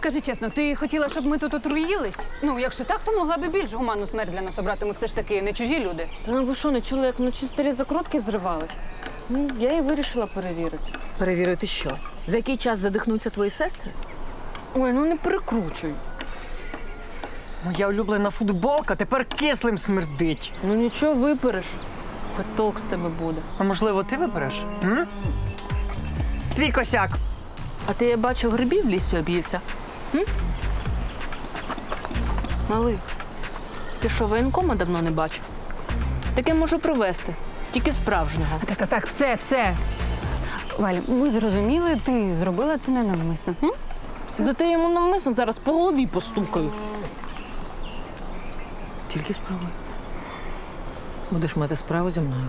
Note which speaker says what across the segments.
Speaker 1: Скажи чесно, ти хотіла, щоб ми тут отруїлись? Ну, якщо так, то могла би більш гуманну смерть для нас обрати. Ми все ж таки не чужі люди.
Speaker 2: Та ну ви що, не чули, як вночі старі закрутки взривались? Ну, я і вирішила перевірити.
Speaker 3: Перевірити що? За який час задихнуться твої сестри?
Speaker 2: Ой, ну не перекручуй.
Speaker 4: Моя улюблена футболка тепер кислим смердить.
Speaker 2: Ну нічого, випереш. Хоч толк з тебе буде.
Speaker 4: А можливо, ти вибереш? М? Твій косяк.
Speaker 2: А ти, я бачу, грибів в лісі об'ївся. М? Малий, ти що, воєнкома давно не бачив? Таке можу привезти, тільки справжнього.
Speaker 1: Так, все. Валя, ми зрозуміли, ти зробила це ненавмисно. М?
Speaker 2: Зате йому навмисно зараз по голові постукаю.
Speaker 3: Тільки спробуй. Будеш мати справу зі мною.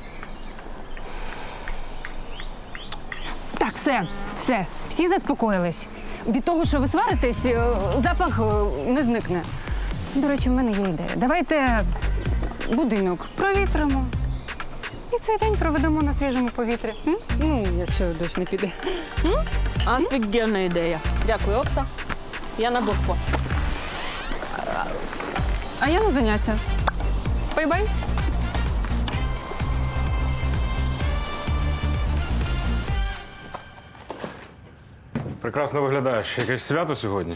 Speaker 1: Так, все. Всі заспокоїлись. Від того, що ви сваритесь, запах не зникне. До речі, в мене є ідея. Давайте будинок провітримо. І цей день проведемо на свіжому повітрі. М? Ну, якщо дощ не піде.
Speaker 2: Офігенна ідея. Дякую, Окса. Я на блокпост.
Speaker 1: А я на заняття. Бай-бай.
Speaker 5: Прекрасно виглядаєш. Якесь свято сьогодні?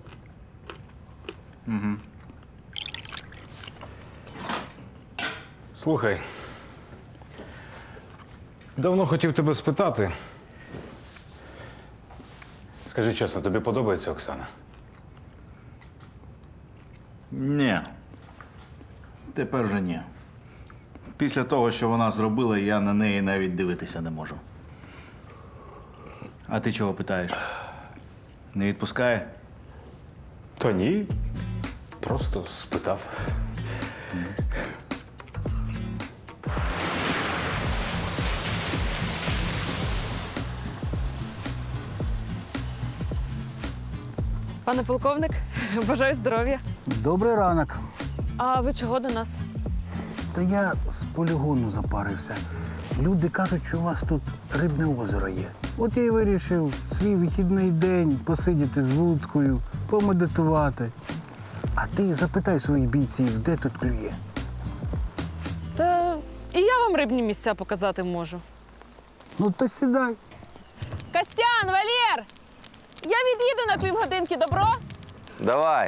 Speaker 5: Слухай. Давно хотів тебе спитати. Скажи чесно, тобі подобається Оксана?
Speaker 6: Ні. Тепер вже ні. Після того, що вона зробила, я на неї навіть дивитися не можу. А ти чого питаєш? Не відпускає?
Speaker 5: Та ні. Просто спитав.
Speaker 2: Пане полковник, бажаю здоров'я.
Speaker 7: Добрий ранок.
Speaker 2: А ви чого до нас?
Speaker 7: Та я з полігону запарився. Люди кажуть, що у вас тут рибне озеро є. От я й вирішив свій вихідний день посидіти з вудкою, помедитувати. А ти запитай своїх бійців, де тут клює.
Speaker 2: Та і я вам рибні місця показати можу.
Speaker 7: Ну то сідай.
Speaker 2: Костян, Валєр! Я від'їду на півгодинки, добро?
Speaker 8: Давай.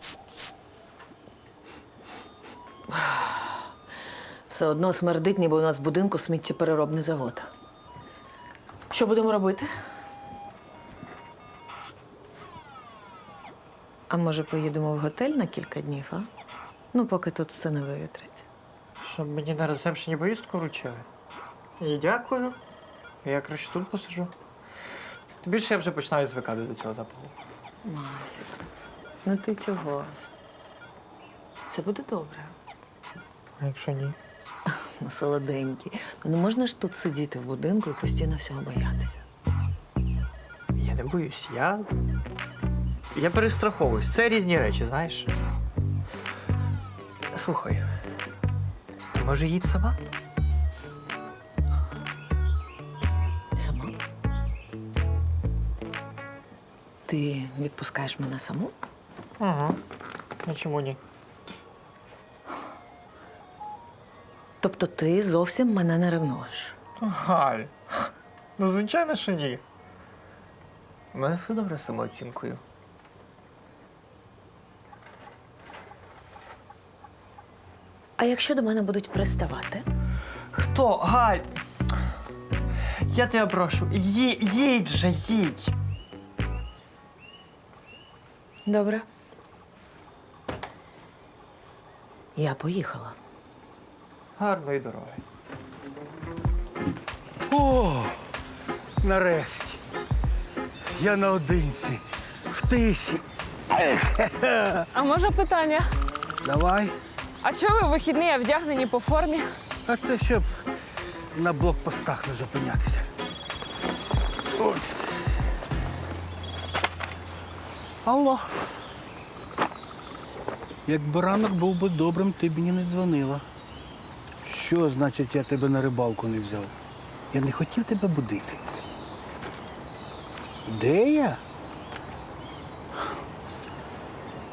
Speaker 3: Все одно смердить, ніби у нас в будинку сміттєпереробний завод. Що будемо робити? А може, поїдемо в готель на кілька днів, а? Ну, поки тут все не вивітриться.
Speaker 4: Щоб мені на ресепшені повістку вручили. І дякую. Я краще тут посижу. Тим більше я вже починаю звикати до цього запаху.
Speaker 3: Масік, ну ти чого? Все буде добре.
Speaker 4: А якщо ні?
Speaker 3: Ну, солоденький. Ну, не можна ж тут сидіти в будинку і постійно всього боятися.
Speaker 4: Я не боюсь. Я перестраховуюсь. Це різні речі, знаєш. Слухай, може їдь сама?
Speaker 3: Сама. Ти відпускаєш мене саму?
Speaker 4: Ага. А чому ні?
Speaker 3: Тобто ти зовсім мене не ревнуєш?
Speaker 4: Галь, ну звичайно, що ні. У мене все добре з самооцінкою.
Speaker 3: А якщо до мене будуть приставати?
Speaker 4: Хто? Галь? Я тебе прошу, їдь вже, їдь.
Speaker 3: Добре. Я поїхала.
Speaker 4: Гарної дороги.
Speaker 7: О, нарешті. Я наодинці, в тиші.
Speaker 2: А може питання?
Speaker 7: Давай.
Speaker 2: А чого ви в вихідний, а вдягнені по формі?
Speaker 7: А це щоб на блокпостах не зупинятися. Ой. Алло. Якби ранок був би добрим, ти б мені не дзвонила. Що значить, я тебе на рибалку не взяв? Я не хотів тебе будити. Де я?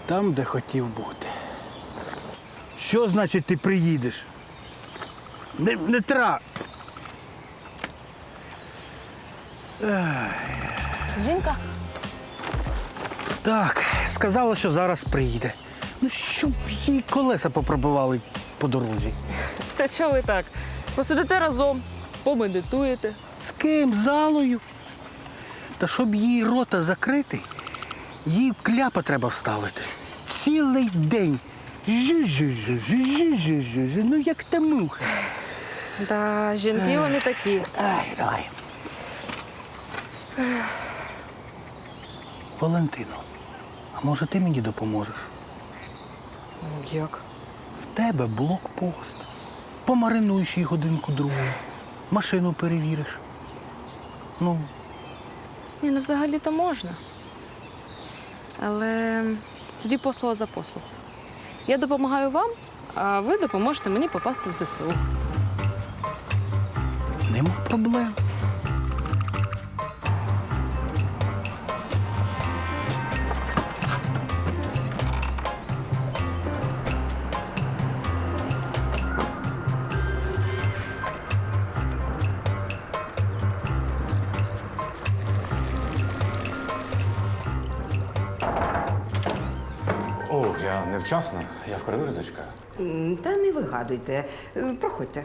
Speaker 7: там, де хотів бути. Що значить ти приїдеш? Не тра.
Speaker 2: Жінка?
Speaker 7: Так, сказала, що зараз приїде. Ну, щоб їй колеса попробували по дорозі.
Speaker 2: Та чого ви так? Посидите разом, помедитуєте.
Speaker 7: З ким? З Аллою? Та щоб їй рота закрити, їй кляпа треба вставити. Цілий день. Жу-жу-жу-жу-жу-жу-жу. Ну, як та муха.
Speaker 2: Та жінки вони такі.
Speaker 7: Ай, давай. Валентино, а може ти мені допоможеш?
Speaker 2: Як?
Speaker 7: В тебе блокпост. Помаринуєш її годинку-другу. Машину перевіриш. Ну,
Speaker 2: Ні, ну взагалі-то можна. Але тоді послуга за послугу. Я допомагаю вам, а ви допоможете мені попасти в ЗСУ.
Speaker 7: нема проблем.
Speaker 5: О, я невчасно. Я в коридорі зачекаю.
Speaker 8: Та не вигадуйте. Проходьте.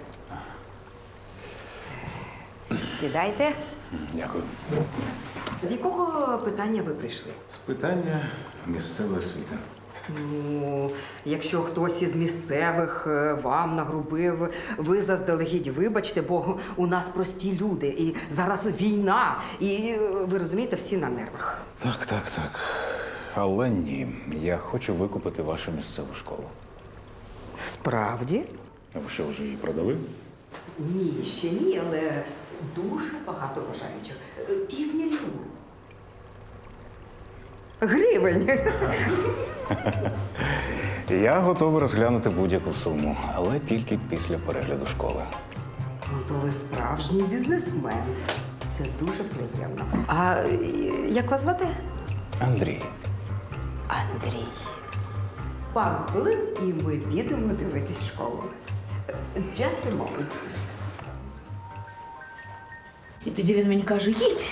Speaker 8: Сідайте.
Speaker 5: Дякую.
Speaker 8: З якого питання ви прийшли?
Speaker 5: З питання місцевої освіти.
Speaker 8: Ну, якщо хтось із місцевих вам нагрубив, ви заздалегідь вибачте, бо у нас прості люди, і зараз війна, і ви розумієте, всі на нервах.
Speaker 5: Так. Але ні. Я хочу викупити вашу місцеву школу.
Speaker 8: Справді?
Speaker 5: А ви що, вже її продали?
Speaker 8: Ні, ще ні, але дуже багато бажаючих. 500 000 гривень.
Speaker 5: Я готовий розглянути будь-яку суму, але тільки після перегляду школи.
Speaker 8: Ну, то ви справжній бізнесмен. Це дуже приємно. А як вас звати?
Speaker 5: Андрій.
Speaker 8: Андрій. Пару хвилин і ми підемо дивитись школу. Just a moment.
Speaker 3: І тоді він мені каже, їдь.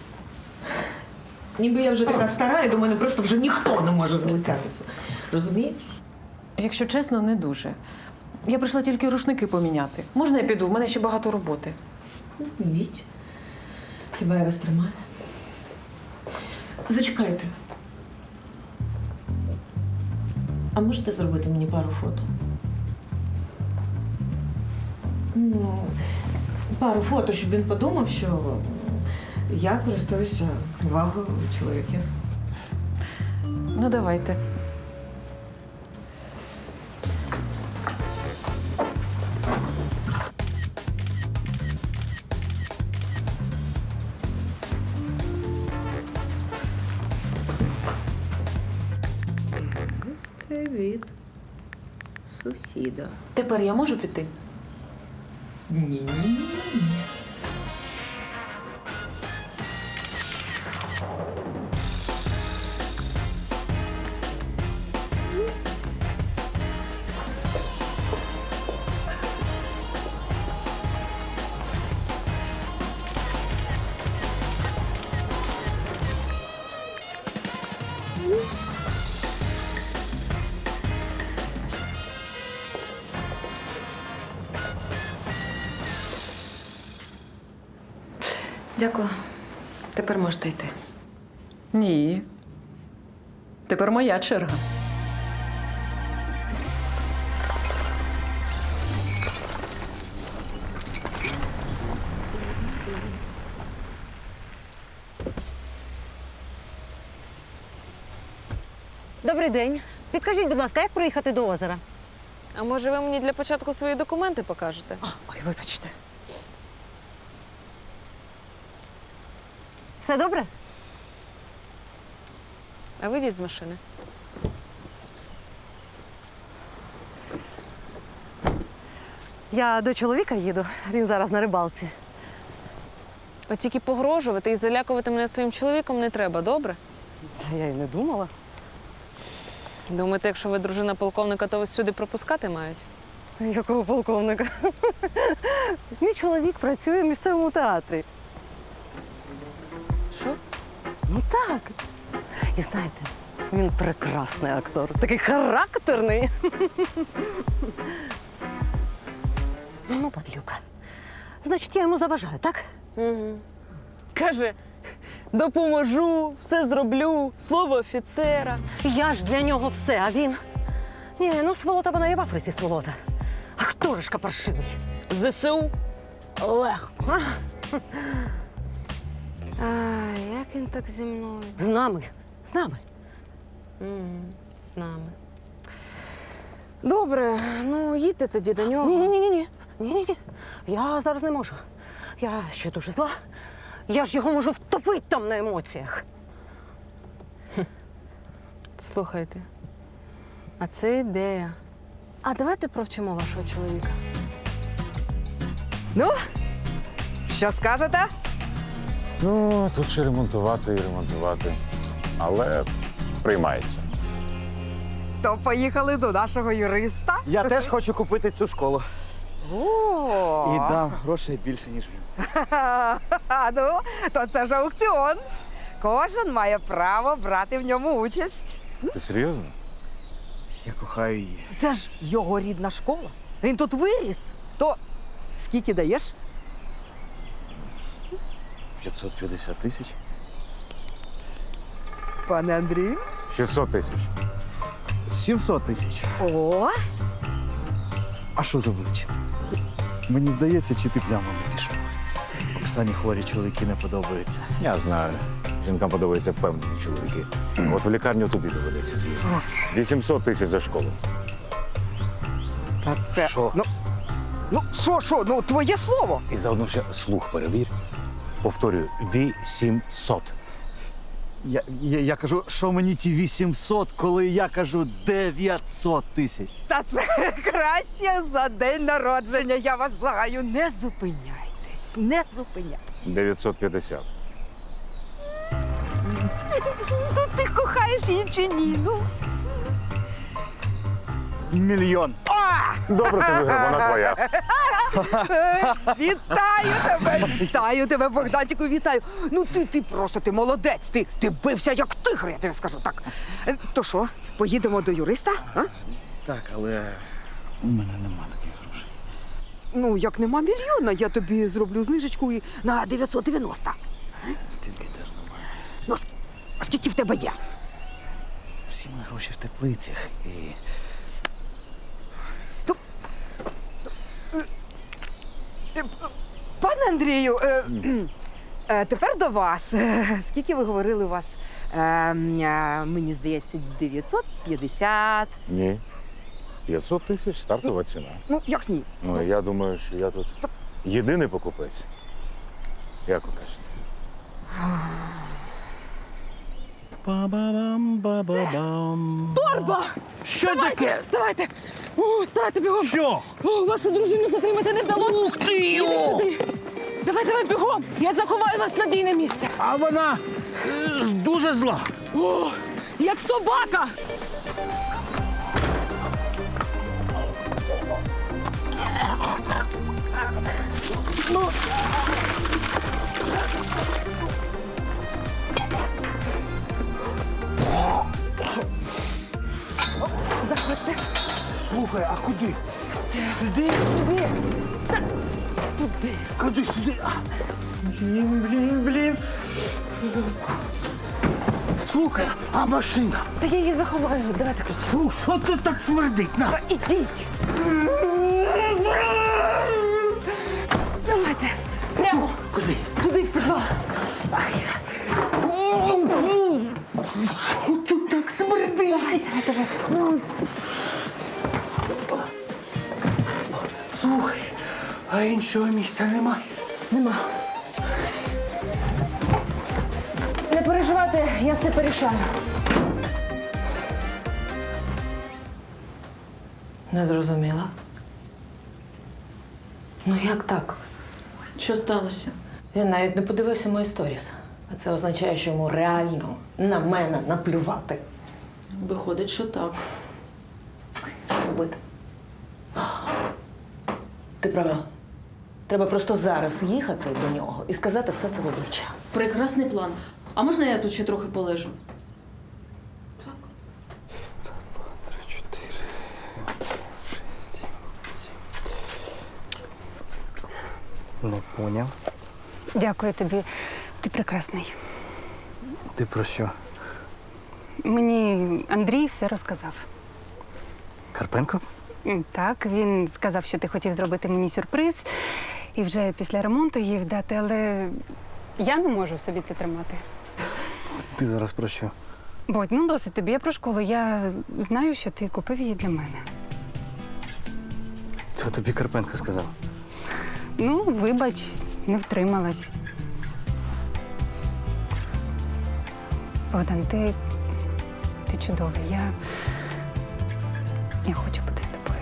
Speaker 3: Ніби я вже така стара, і до мене просто вже ніхто не може залицятися. Розумієш?
Speaker 9: Якщо чесно, не дуже. Я прийшла тільки рушники поміняти. Можна я піду? В мене ще багато роботи.
Speaker 3: Йдіть. Хіба я вас тримаю? Зачекайте. А можете зробити мені пару фото? Ну, пару фото, щоб він подумав, що я користуюся увагою чоловіків.
Speaker 9: Ну, давайте.
Speaker 3: Це від сусіда.
Speaker 9: Тепер я можу піти?
Speaker 3: Ні.
Speaker 9: Дякую. Тепер можете йти. Ні. Тепер моя черга.
Speaker 10: Добрий день. Підкажіть, будь ласка, як проїхати до озера?
Speaker 2: А може ви мені для початку свої документи покажете?
Speaker 10: Ой, вибачте. Все добре?
Speaker 2: А вийдіть з машини.
Speaker 10: Я до чоловіка їду, він зараз на рибалці.
Speaker 2: От тільки погрожувати і залякувати мене своїм чоловіком не треба, добре?
Speaker 10: Та я й не думала.
Speaker 2: Думаєте, якщо ви дружина полковника, то вас сюди пропускати мають?
Speaker 10: Якого полковника? Мій чоловік працює в місцевому театрі.
Speaker 2: Що?
Speaker 10: Ну так. І знаєте, він прекрасний актор, такий характерний. Ну, падлюка. Значить, я йому заважаю, так?
Speaker 2: Угу. Каже, допоможу, все зроблю, слово офіцера.
Speaker 10: Я ж для нього все, а він. Ні, ну сволота вона і в Африці сволота. А хто ж паршивий?
Speaker 2: ЗСУ легко.
Speaker 1: А як він так зі мною?
Speaker 10: З нами. З нами.
Speaker 2: З нами. Добре, ну їдьте тоді до нього.
Speaker 10: Ні. Ні. Я зараз не можу. Я ще дуже зла. Я ж його можу втопити там на емоціях.
Speaker 2: Слухайте, а це ідея. А давайте провчимо вашого чоловіка.
Speaker 8: Ну, що скажете?
Speaker 5: Ну, тут ще ремонтувати і ремонтувати. Але приймається.
Speaker 8: То поїхали до нашого юриста.
Speaker 11: Я теж хочу купити цю школу.
Speaker 8: О!
Speaker 11: І дам грошей більше, ніж він.
Speaker 8: Ну, то це ж аукціон. Кожен має право брати в ньому участь.
Speaker 5: Ти серйозно?
Speaker 11: Я кохаю її.
Speaker 8: Це ж його рідна школа. Він тут виріс. То скільки даєш?
Speaker 11: 550 тисяч.
Speaker 8: Пане Андрію?
Speaker 5: 600 тисяч.
Speaker 11: 700 тисяч.
Speaker 8: О!
Speaker 11: А що за обличчя? Мені здається, чи ти плямами пішов. Оксані хворі чоловіки не подобаються.
Speaker 5: Я знаю. Жінкам подобаються впевнені чоловіки. От в лікарню тобі доведеться з'їсти. 800 тисяч за школу.
Speaker 8: Та це.
Speaker 11: Що?
Speaker 8: Ну, що? Ну, твоє слово.
Speaker 5: І заодно ще слух перевір. Повторюю, 800.
Speaker 11: Я кажу, що мені ті 800, коли я кажу 900 тисяч.
Speaker 8: Та це краще за день народження. Я вас благаю, не зупиняйтесь. Не зупиняйтесь.
Speaker 5: 950.
Speaker 8: Тут ти кохаєш її чи ні? Ну.
Speaker 11: Мільйон.
Speaker 5: Добре, ти виграв, вона твоя.
Speaker 8: Вітаю тебе, Богданчику, вітаю. Ну ти просто ти молодець. Ти бився як тигр, я тобі скажу так. То що, поїдемо до юриста? А?
Speaker 11: Так, але у мене нема таких грошей.
Speaker 8: Ну, як нема мільйона, я тобі зроблю знижечку і на 990.
Speaker 11: Стільки теж немає.
Speaker 8: Ну, а скільки в тебе є?
Speaker 11: Всі мої гроші в теплицях і.
Speaker 8: Пане Андрію, тепер до вас. Скільки ви говорили у вас? Мені здається, 950.
Speaker 5: Ні. 500 тисяч стартова ціна.
Speaker 8: Ну, як ні?
Speaker 5: Ну, я думаю, що я тут єдиний покупець. Як ви кажете?
Speaker 11: Ба-ба-бам-ба-ба-бам.
Speaker 10: Торба!
Speaker 11: Що таке?
Speaker 10: Вставайте! Вставайте бігом!
Speaker 11: Що?
Speaker 10: Вашу дружину затримати не вдалося!
Speaker 11: Ух ти!
Speaker 10: Давай бігом! Я заховаю вас в надійне місце!
Speaker 7: А вона дуже зла.
Speaker 10: О, як собака!
Speaker 8: Заходьте.
Speaker 7: Слухай, а куди? Сюди?
Speaker 8: Туди.
Speaker 7: Куди сюди? Блін. Слухай, а машина?
Speaker 1: Та я її заховаю. Давайте ключ.
Speaker 7: Фу, що тут так смердить? На.
Speaker 1: Ідіть. Давайте. Прямо.
Speaker 7: Куди?
Speaker 1: Туди, в підвал.
Speaker 7: Тут так смердить. Слухай, а іншого місця немає?
Speaker 1: Нема. Не переживайте, я все порішаю.
Speaker 2: Не зрозуміла. Ну як так? Що сталося?
Speaker 3: Він навіть не подивився мої сторіс. А це означає, що йому реально на мене наплювати.
Speaker 2: Виходить, що так.
Speaker 3: Що робити? Ти права. Треба просто зараз їхати до нього і сказати все це в обличчя.
Speaker 2: Прекрасний план. А можна я тут ще трохи полежу?
Speaker 7: Не поняв.
Speaker 1: Дякую тобі. Ти прекрасний.
Speaker 7: Ти про що?
Speaker 1: Мені Андрій все розказав.
Speaker 7: Карпенко?
Speaker 1: Так, він сказав, що ти хотів зробити мені сюрприз і вже після ремонту її вдати, але я не можу в собі це тримати.
Speaker 7: Ти зараз про що?
Speaker 1: Бодь, ну досить тобі. Я про школу. Я знаю, що ти купив її для мене.
Speaker 7: Це тобі Карпенко сказав.
Speaker 1: Ну, вибач, не втрималась. Богдан, ти чудовий. Я хочу бути з тобою.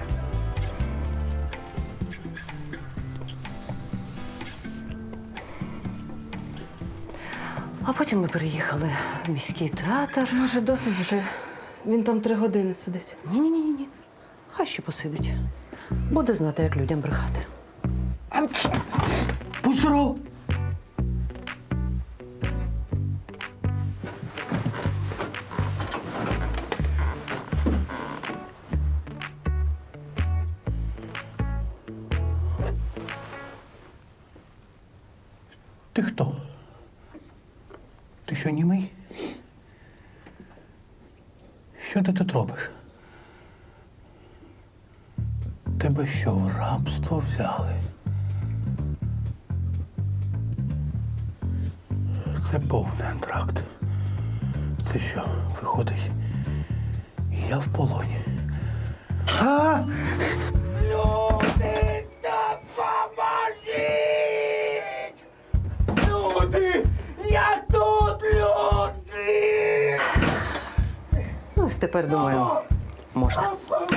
Speaker 10: А потім ми переїхали в міський театр.
Speaker 2: Може, досить вже. Він там 3 години сидить.
Speaker 10: Ні. Хай ще посидить. Буде знати, як людям брехати.
Speaker 7: Будь здоров! Ти хто? Ти що, німий? Що ти тут робиш? Тебе що, в рабство взяли? Це повний антракт. Це що, виходить, і я в полоні? А? Люди, допоможіть! Люди! Я тут, люди!
Speaker 10: Ну, ось тепер, думаю, можна.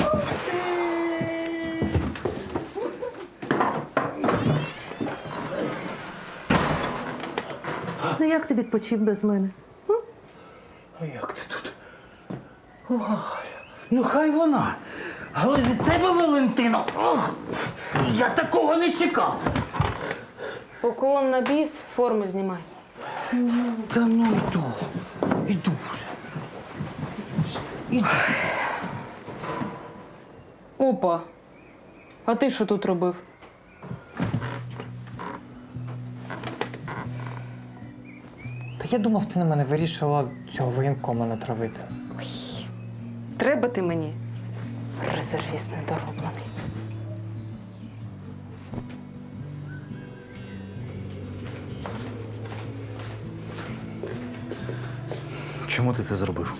Speaker 10: Ну, як ти відпочив без мене?
Speaker 7: А як ти тут? Галя, ну хай вона. Але від тебе, Валентино, я такого не чекав.
Speaker 2: Поклон на біс, форму знімай.
Speaker 7: Та ну йду вже. Іду.
Speaker 2: Опа. А ти що тут робив?
Speaker 4: Та я думав, ти на мене вирішила цього воєнкома натравити.
Speaker 2: Треба ти мені. Резервіст недороблений.
Speaker 11: Чому ти це зробив?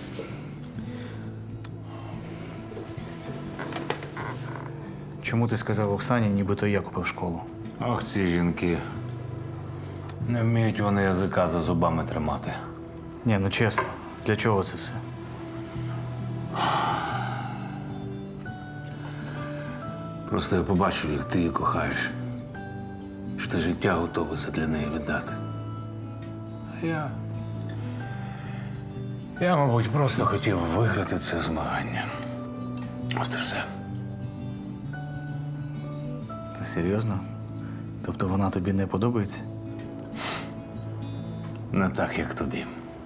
Speaker 11: Чому ти сказав Оксані, нібито я купив школу?
Speaker 5: Ох, ці жінки. Не вміють вони язика за зубами тримати.
Speaker 11: Ні, ну чесно, для чого це все?
Speaker 5: Просто я побачив, як ти її кохаєш. Що ти життя готовий для неї віддати. А я, мабуть, просто хотів виграти це змагання. От і все.
Speaker 11: Ти серйозно? Тобто вона тобі не подобається?
Speaker 5: Не так, як тобі.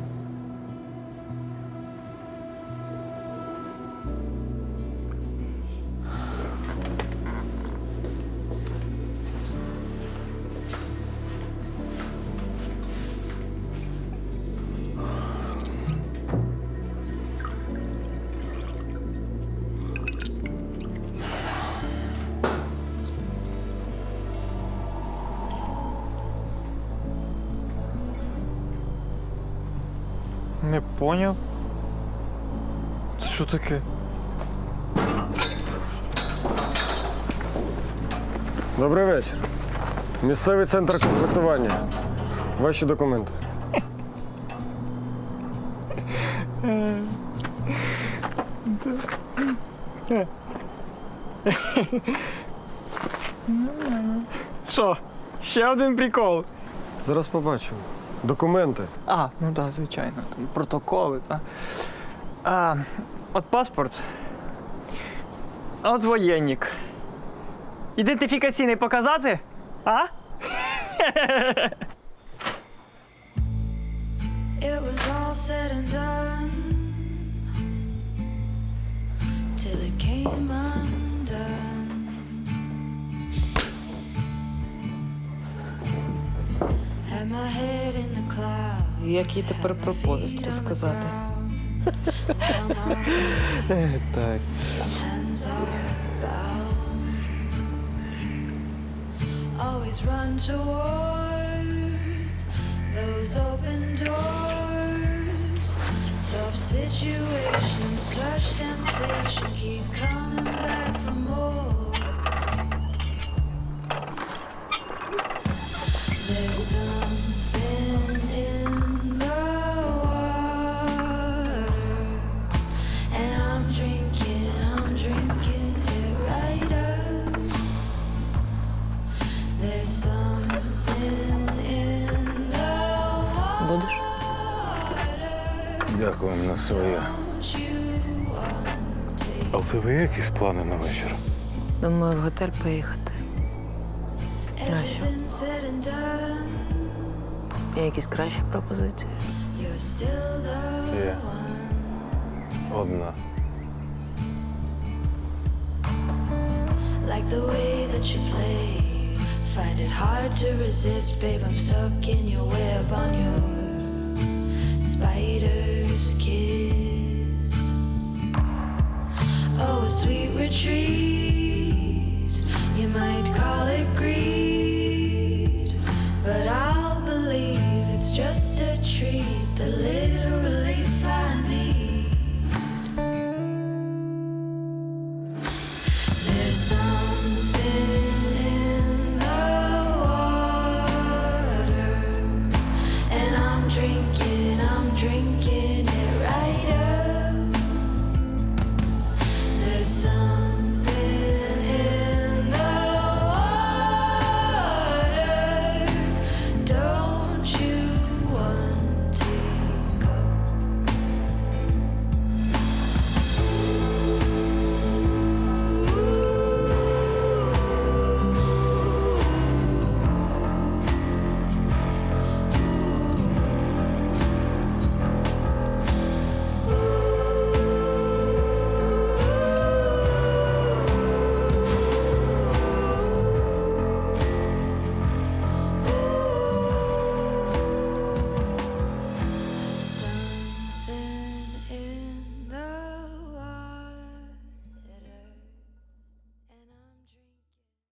Speaker 4: Не поняв. Це що таке?
Speaker 12: Добрий вечір. Місцевий центр комплектування. Ваші документи.
Speaker 4: Що? Ще один прикол.
Speaker 12: Зараз побачимо. Документи.
Speaker 4: А, ну так, звичайно. Там протоколи, так. От паспорт. А от воєнник. Ідентифікаційний показати? А?
Speaker 13: It was all said and done till it came undone. Had my head in the clouds.
Speaker 3: Як їй тепер про повість розказати?
Speaker 12: Так.
Speaker 13: Hands are bound. Always run towards those open doors. Tough situations, such temptation, keep coming back for more. There's something in the water, and I'm drinking it right up. There's something in the
Speaker 3: Будеш?
Speaker 5: Дякую на своє. А у тебе є якісь плани на вечір?
Speaker 3: Думаю, в готель поїхати. Нащо?
Speaker 13: everything said and done.
Speaker 3: Є якісь кращі пропозиції?
Speaker 13: You're still the
Speaker 5: Є. Одна.
Speaker 13: like the way that you play. Find it hard to resist, babe. I'm stuck in your web on your spider's kiss. Oh, a sweet retreat. You might call it greed, but I'll believe it's just a treat, the little relief I need. There's something in the water, and I'm drinking